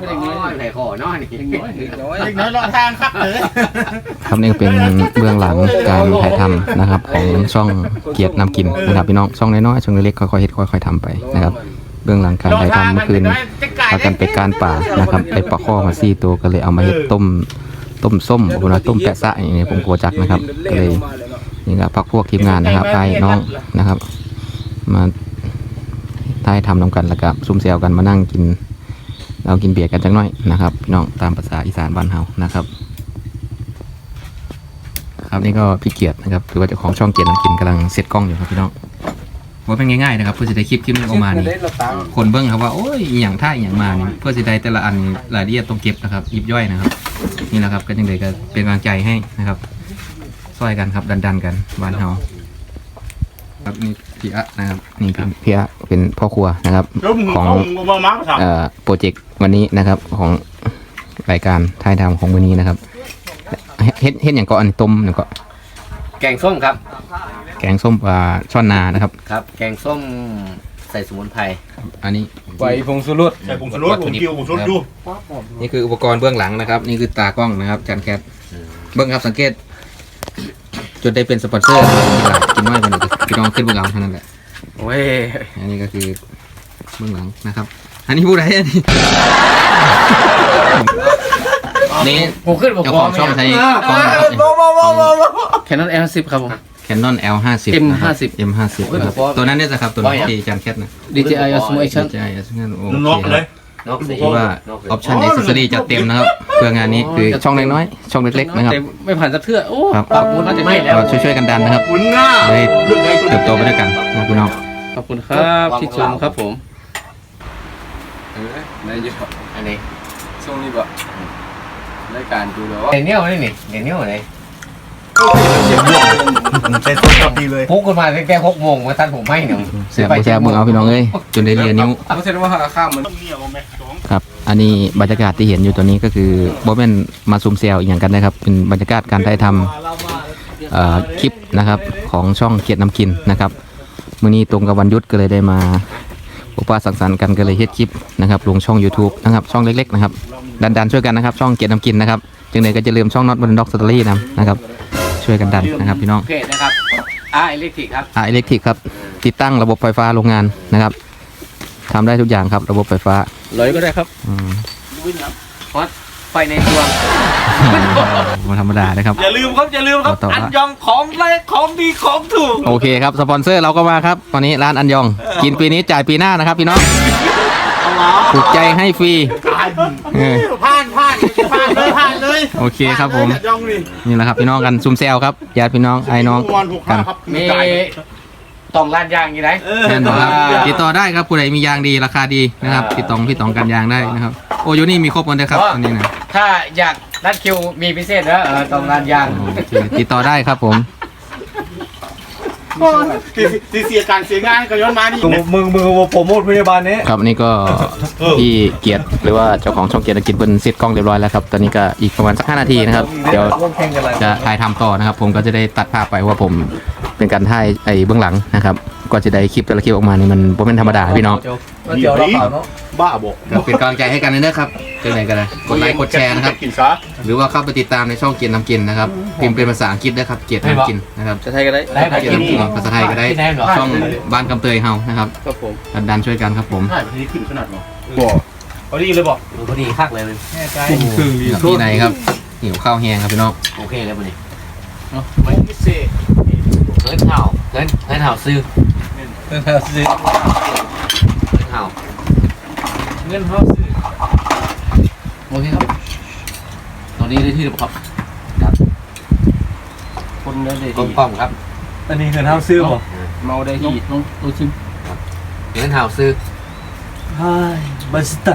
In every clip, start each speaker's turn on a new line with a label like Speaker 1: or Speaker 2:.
Speaker 1: ไม่ได้น้อยไหนขอน้อยนี่เล็กน้อยรอทางครับเลย
Speaker 2: ครับนี่ก็เป็นเบื้องหลังการถ่ายทำนะครับของช่องเกียรตินำกินนะครับพี่น้องช่องน้อยๆช่องเล็กๆค่อยๆเฮ็ดค่อยๆทำไปนะครับเบื้องหลังการถ่ายทำเมื่อคืนพากันไปการป่านะครับไปปลาข้อมา4 ตัวก็เลยเอามาเฮ็ดต้มส้มผมว่าต้มแปะซะอย่างนี้ผมกลัวจักนะครับก็เลยนี่ก็พักพวกทีมงานนะครับไปน้องนะครับมาถ่ายทำนำกันแล้วก็ซุ่มเซลกันมานั่งกินเรากินเบียร์กันจังน้อยนะครับพี่น้องตามภาษาอีสานบ้านเฮานะครับครับนี่ก็พี่เกียรตินะครับหรือว่าเจ้าของช่องเกียรตินำกินกำลังเซตกล้องอยู่ครับพี่น้องว่าเป็นง่ายๆนะครับเพื่อจะได้คลิปนี้ออกมานี่คนเบิ้งครับว่าโอ้ยอย่างท่าอย่างมานี่เพื่อจะได้แต่ละอันรายละเอียดต้องเก็บนะครับยิบย่อยนะครับนี่แหละครับก็ยังเลยก็เป็นกำลังใจให้นะครับช่วยกันครับดันกันบ้านเฮาครับนี่พี่อะนะครับนี่พี่อะเป็นพ่อครัวนะครับของโปรเจกต์วันนี้นะครับของรายการถ่ายทำของวันนี้นะครับเฮ็ดอย่างก็อันต้มอย่างก็
Speaker 1: แกงส้มครับ
Speaker 2: แกงส้มปลาช่อนนานะครับ
Speaker 1: ครับแกงส้มใส่สมุนไพร
Speaker 2: อันนี้
Speaker 3: ใบผงชูรสใส่ผงชูรสผมกิ้วผงชูรสดู
Speaker 2: นี่คืออุปกรณ์เบื้องหลังนะครับนี่คือตากล้องนะครับจานแคทเบื้องครับสังเกตจนได้เป็นสปอนเซอร์กินน้อยกว่านี้พี่น้องขึ้นเบื้องหลังเท่านั้นแหละ
Speaker 1: โอ้ย
Speaker 2: อันนี้ก็คือเบื้องหลังนะครับอันนี้พูดอะไรอันนี้นี่
Speaker 1: ผมขึ้นบอก
Speaker 2: ของช่องใช้กล้อง
Speaker 1: แคนนอน L10 ครับผม
Speaker 2: Canon L50
Speaker 1: M50
Speaker 2: M50 ครับตัวนั้นเนี่ยจะครับตัวนี้ที่จานแคทนะ
Speaker 1: DJI Osmo Action
Speaker 2: DJI Action โอเคเลยเพราะว่าออปชั่นเอ็กซ์ซอรี่จะเต็มนะครับเพื่องานนี้คือช่องน้อยๆช่องเล็กๆนะครับ
Speaker 1: ไม่ผ่านสักเทื่อโอ้
Speaker 2: ครับ
Speaker 1: น่าจะไม่แล้ว
Speaker 2: ช่วยกันดันนะครับได้เติบโตไปด้วยกันนะพี่น้อง
Speaker 1: ขอบคุณครับที่ชมครับผม
Speaker 3: ได้เยอะ
Speaker 1: อันนี้
Speaker 3: ช่วงนี้แบบรายการดูแล้ว
Speaker 1: เดี๋ยวนี้เอาเลยนี่เดี๋ยวนี้เอาเลย
Speaker 3: ใช้ต้นกับดีเลย
Speaker 1: พุกกันมาแค่6 โมงมาตัดผมไม่เนี่ย
Speaker 2: เสียเบิ่งเอาพี่น้องเอ้ยจนได้เรียนนิ้ว
Speaker 3: เขาเซ็นว่าข้ามมัน
Speaker 2: ครับอันนี้บรรยากาศที่เห็นอยู่ตัวนี้ก็คือโบแมนมาซูมเซลอย่างกันนะครับเป็นบรรยากาศการถ่ายทำคลิปนะครับของช่องเกียรตินำกินนะครับมื้อนี้ตรงกับวันหยุดก็เลยได้มาพบปะสังสรรค์กันก็เลยเฮ็ดคลิปนะครับลงช่อง YouTube นะครับช่องเล็กๆนะครับดันช่วยกันนะครับช่องเกียรตินำกินนะครับจึงไหนก็จะลืมช่องน็อตบนด็อกสตอรี่นะครับช่วยกันดันนะครับพี่น้อง
Speaker 1: เพจนะครับอิเล็กทริกครับ
Speaker 2: อิเล็กทริกครับติดตั้งระบบไฟฟ้าโรงงานนะครับทำได้ทุกอย่างครับระบบไฟฟ้า
Speaker 1: เลยก็ได้ครับฮอตไฟในตัว
Speaker 2: มันธรรมดานะครับ
Speaker 3: อย่าลืมครับอันยองของแรกของดีของถูก
Speaker 2: โอเคครับสปอนเซอร์เราก็มาครับวันนี้ร้านอันยองกินปีนี้จ่ายปีหน้านะครับพี่น้องถูกใจให้ฟรี
Speaker 1: ผ่านเลย
Speaker 2: โอเคครับผมนี่แหละครับพี่น้องกันซุ่มแซวครับญาติพี่น้องไอ้น้องกัน
Speaker 1: มีต้องร้านยางอยู่ไหน
Speaker 2: แน่นอนครับติดต่อได้ครับผู้ใดมียางดีราคาดีนะครับติดต่อพี่ตองกันยางได้นะครับโอ้ยนี่มีครบกันเลยครับอันนี้นะ
Speaker 1: ถ้าอยากนัดคิวมีพิเศษนะต้องร้านยาง
Speaker 2: ติดต่อได้ครับผม
Speaker 3: เสียการเสียงานก็ย้อนมานี่มึงโปรโมทพยาบาลนี้
Speaker 2: ครับนี่ก็พี่เกียรติหรือว่าเจ้าของช่องเกียรติกินเป็นเสร็จกล้องเรียบร้อยแล้วครับตอนนี้ก็อีกประมาณสัก5 นาทีนะครับเดี๋ยวจะถ่ายทำต่อนะครับผมก็จะได้ตัดภาพไปว่าผมเป็นการถ่ายไอ้เบื้องหลังนะครับก็จะได้คลิปแต่ละคลิปออกมานี่มันเป็นธรรมดาพี่น้อง
Speaker 3: บ้าบอก
Speaker 2: เป็นกำลังใจให้กันนะครับเจอไหนกันนะกดไลค์กดแชร์นะครับหรือว่าเข้าไปติดตามในช่องเกียรตินำกินนะครับพิมพ์เป็นภาษาอังกฤษนะครับเกียรตินำกินนะครับ
Speaker 1: ภาษาไทยก็ได้
Speaker 2: เกียรตินำกินภาษาไทยก็ได้ช่องบ้านกำเตยเฮานะครับดันช่วยกันครับผม
Speaker 3: นี่ขึ้นขนาดหรอบอกพอดีเลยบอก
Speaker 1: พอดีคักเลย
Speaker 2: ที่ไหนครับหิวข้าวแห้งครับพี่น้อง
Speaker 1: โอเคเลยวันนี้ไม่พิเศษเงินเห่าซื้อเงินเห่าซื้อโอเคครับตอนนี้ได้ที่หรือเปล่าครับคนได้ที่ป้อมครับ
Speaker 3: อันนี้เงินเห่าซื้อป่ะ
Speaker 1: เมาได้ที่น้องชิมเงินเห่าซื้อ
Speaker 3: ใช่บัสต้า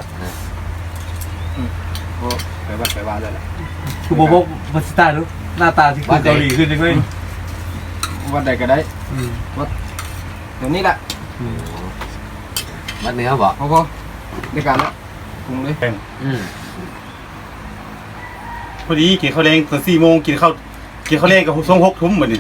Speaker 1: ไปว่าเลยแหละ
Speaker 3: คือบอกบัสต้าดูหน้าตาที่คนเกาหลีขึ้นจริงไหม
Speaker 1: วัดใดก็ได้วัดเดี๋ยวนี้แหละวัดเนื้อบ่
Speaker 3: พอในการละปรุงเลยพอดีกินข้าวแรงตอน4 โมงกินข้าวแรงกับ6 ทุ่มเหมือนนี่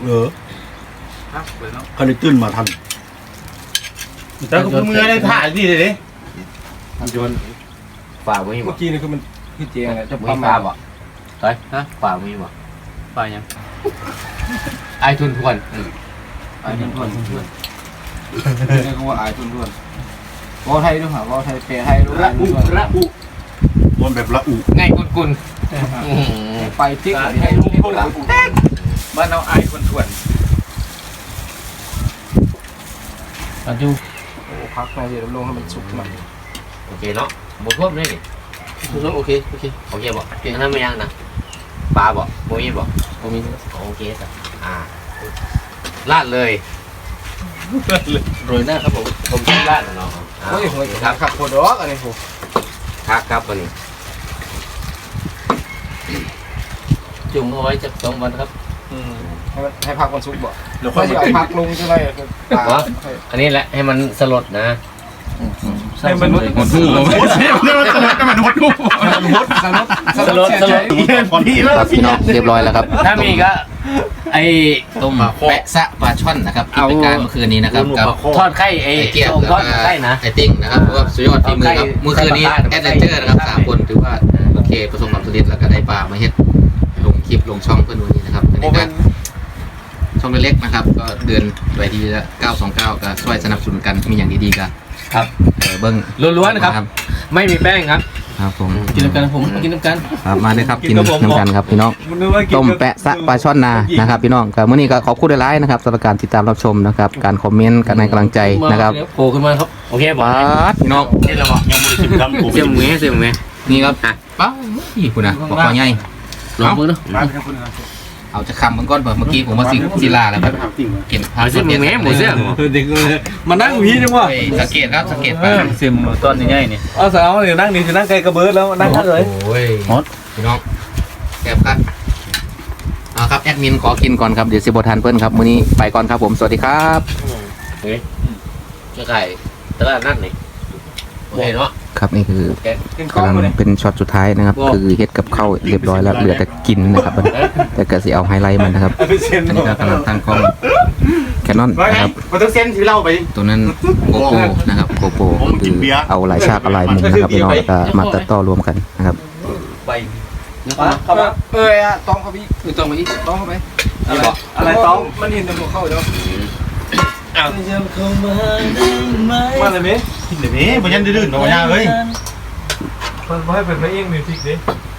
Speaker 3: เขาเลยตื่นมาทันแต่ก็เมื่อได้ถ่ายดีเลยโยน
Speaker 1: ฝาไม่มี
Speaker 4: เมื่อกี้นี่คือมันคือเจียงอะจะ
Speaker 1: มี
Speaker 4: ปั๊ม
Speaker 1: ฝา
Speaker 4: มา
Speaker 1: บ่เฮ้ยฮะฝาไม่มีบ่
Speaker 4: ปลายัง
Speaker 1: ไอทุนทวน
Speaker 4: อายทุนทวนนี่เขาว่าอายทุนทวนวอไทยด้วยหรอวอไทยเปรไทยด้วย
Speaker 3: ระอุวนแบบระอุ
Speaker 1: ง่ายกุน
Speaker 4: ไปติ๊กให้ลูกพวกเราบ้านเราอายทุนทวนอันจูโอ้พักมาเดี๋ยวลงให้มันสุกหน่อย
Speaker 1: โอเคเนาะหมดท่วมเลยดิ
Speaker 4: โอเค
Speaker 1: โอเคบ่เก่งนั้นไม่ยังนะปลาบ่โมยบ่
Speaker 4: ผมมี
Speaker 1: โอเคจ้ะลาดเลย
Speaker 4: โรยหน้าครับผม
Speaker 1: ผมกินลาดเนาะ
Speaker 4: โอ้ยโหขับโคดอกอันนี้ผม
Speaker 1: ครับวันนี้จุ่มเอาไว้จะ2 วันครับ
Speaker 4: ให้พักวันศุกร์บ่
Speaker 3: เดี๋ยวค่
Speaker 4: ค่
Speaker 3: อ
Speaker 4: อย ย
Speaker 3: มา
Speaker 4: เอาพักลงจะได้
Speaker 1: อันนี้แหละให้มันสลดนะ
Speaker 4: ให้มัน
Speaker 2: หมดคู่ผม
Speaker 3: หมดคู่
Speaker 4: สลด
Speaker 3: พอดีแล้ว
Speaker 2: ครับพี่น้องเรียบร้อยแล้วครับ
Speaker 1: ถ้ามีก็ไอ้
Speaker 2: ต้มแปะซะปลาช่อนนะครับที่เป็นการเมื่อคืนนี้นะครับกับ
Speaker 1: ทอดไข่ไอ้
Speaker 2: ไอเกียร์
Speaker 1: ทอดไข่นะ
Speaker 2: ไอติ้งนะครับเพราะว่าสุดยอดฝีมือครับเมื่อคืนนี้แอดเวนเจอร์นะครับ3 คนถือว่าโอเคประสบความสำเร็จแล้วก็ได้ปลามาเฮ็ดลงคลิปลงช่องเพื่อนดูนี่นะครับอันนี้ก็ช่องเล็กๆนะครับก็เดือนไว้ดีละ929ก็ช่วยสนับสนุนกันมีอย่างดีๆกัน
Speaker 1: ครับ
Speaker 2: เบิ้ง
Speaker 1: ล้วนๆนะครับ ไม่มีแป้งครับ
Speaker 2: ครับผม
Speaker 4: กินน้ำกันผมกินน้ำกัน
Speaker 2: ครับมาเลยครับกินน้ำกันครับพี่น้องต้มแปะซะปลาช่อนนานะครับพี่น้องกับมื้อนี้ก็ขอบคุณหลายๆนะครับสำหรับการติดตามรับชมนะครับการคอมเมนต์การให้กำลังใจนะครับ
Speaker 4: โผล่ขึ้นมาครับ
Speaker 1: โอเคบอ
Speaker 2: ป๊าดพี่น้อง
Speaker 1: นี่เราบอก
Speaker 3: ยังไม่ได้ชิมคำกู
Speaker 1: เสี่ยมเงี้ยเสี่ยมเงี้ย
Speaker 2: นี่ครับป๊าดนี่คุณนะบอกว่าใหญ่
Speaker 4: ลองมือเนาะ
Speaker 3: มาครับคุณ
Speaker 2: เอาจะคำมันก้อนเมื่อกี้ผมว่าศิลาแล้วครับ
Speaker 3: ถามจริงเหรอ
Speaker 2: เก็บ
Speaker 1: เอาเสี่ยมเงี้ยหมูเสี่ยม
Speaker 4: เด็กมานั่งพี่จังวะ
Speaker 2: สังเกตครับสังเกตไป
Speaker 4: เสียมต้นใหญ่นี่เอาสาวเดี๋ยวนั่งนี่จะนั่งไกลกระเบิดแล้วนั่งกันเลย
Speaker 2: โอ้ยพี่น้องแก็บครับเอาครับแอดมินขอกินก่อนครับเดี๋ยวสิบทันเพื่อนครับมื้อนี้ไปก่อนครับผมสวัสดีครับ
Speaker 1: เฮ้ยจะไก่ตลาดนัดนี่โอเคเนาะ
Speaker 2: ครับนี่คือ
Speaker 4: กินข้าว
Speaker 2: กำลัง
Speaker 4: เลย
Speaker 2: เป็นช็อตสุดท้ายนะครับคือเฮ็ดกับข้าวเรียบร้อยแล้วเหลือแต่กินนะครับแต่ก็สิเอาไฮไลท์มันนะครับ อันนี้ก็กำลังตั้งกล้องแคนนอน
Speaker 3: ว่าไง
Speaker 2: นะครับ
Speaker 3: มันต้องเส้นที่เล่าไป
Speaker 2: ตัวนั้นโกโปนะครับโกโปคือเอาหลายฉากเอาหลายมุมนะครับพี่น้องแล้วก็มาตัดต่อรวมกันนะครับ
Speaker 4: เข้ามาต้องเข้าไปอีกต้องไปอีกต้องเข้าไปอะไรต้องมันเห็นแต่หัวเข้าแล้วมาเลยมั้ย
Speaker 3: เดี๋ยวนี้มันยันดื้อๆหน่อยเลย
Speaker 4: มันให้เป็นพระเอกมิวสิกดิ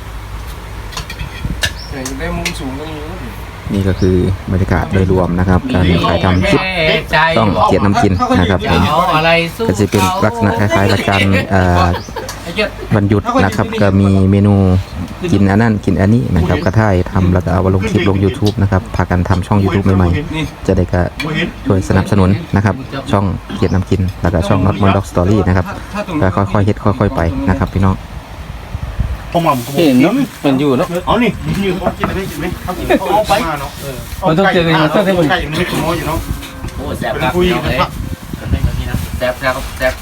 Speaker 4: ได้มุมสูงตรงนี้
Speaker 2: นี่ก็คือบรรยากาศโดยรวมนะครับการถ่ายทำคลิปต้องเกียรติน้ำกินนะครับผม
Speaker 1: เอาอะไรสู้
Speaker 2: ก็จะเป็นลักษณะคล้ายๆรายการวันหยุดนะครับก็มีเมนูกินอันนั้นกินอันนี้นะครับก็ถ่ายทำแล้วก็เอามาลงคลิปลง YouTube นะครับพากันทำช่อง YouTube ใหม่ๆจะได้ก็ช่วยสนับสนุนนะครับช่องเกียรติน้ำกินแล้วก็ช่อง Not Mon Dog Story นะครับก็ค่อยๆเฮ็ดค่อยๆไปนะครับพี่น้อง
Speaker 3: ผมหม่ำ
Speaker 4: เห็นเนาะมันอยู่เนาะ
Speaker 3: เอานี่นี่เขากินอะไรกินไหมเขากินเขาเอาไปเนาะ
Speaker 4: มันต้องเจอกันมันต้องให้มัน
Speaker 3: ไก่มันไม่กินน้อยอยู่เนาะ
Speaker 1: โอ้แซ่บ
Speaker 3: เป็น
Speaker 1: ครับ
Speaker 3: คุย
Speaker 1: พี่น้อง
Speaker 3: กัน
Speaker 1: เอ้ย
Speaker 3: ครับ
Speaker 1: แซ่บแซ่บแซ่บ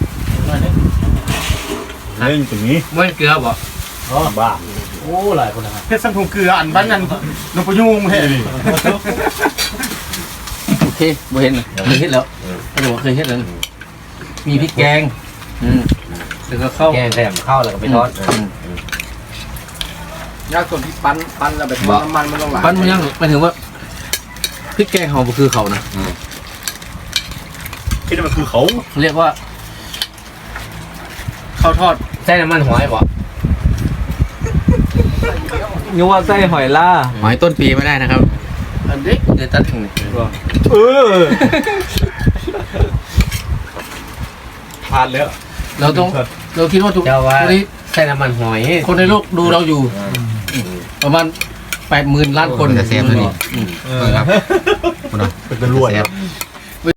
Speaker 3: เล่นตรงนี้
Speaker 1: ม้วนเกลือบ่
Speaker 3: บ้า
Speaker 1: โอ้หลายคนนะครับ
Speaker 3: เพชรสังคมเกลืออันบ้านนั้นนพยุงแท้ดิ
Speaker 4: โอเคบ่เห็นเคยเห็นแล้วเขาบอกเคยเห็นแล้วมีพริกแกงแล้วก็ข้าว
Speaker 1: แกงแถมข้าวแล้วก็ไปทอด
Speaker 4: ยากส่วนที่ปั้นแล้วแบบน้ำมันมันต้องหลายปั้นมันยังหมายถึงว่าพริกแกงเขาคือเขานะ
Speaker 3: คิดว่ามันคือเขา
Speaker 4: เรียกว่าข้าวทอด
Speaker 1: ใส่น้ำมันหอยบ่
Speaker 4: นึกว่าไส้หอยล่า
Speaker 2: หอยต้นปีไม่ได้นะครับ
Speaker 4: อันเด็กเดี๋ยวตัดถึงนี่ผ่านแล้วเราคิดว่าทุก
Speaker 1: เจ้าว่า
Speaker 4: คนนี้
Speaker 1: ใส่น้ำมันหอย
Speaker 4: คนในโลกดูเราอยู่ประมาณ 80,000 ล้านคน
Speaker 2: จะเซฟตัวนี้เบิ่งครับคุณน้อง
Speaker 3: เป็นตะลวย
Speaker 2: เซฟ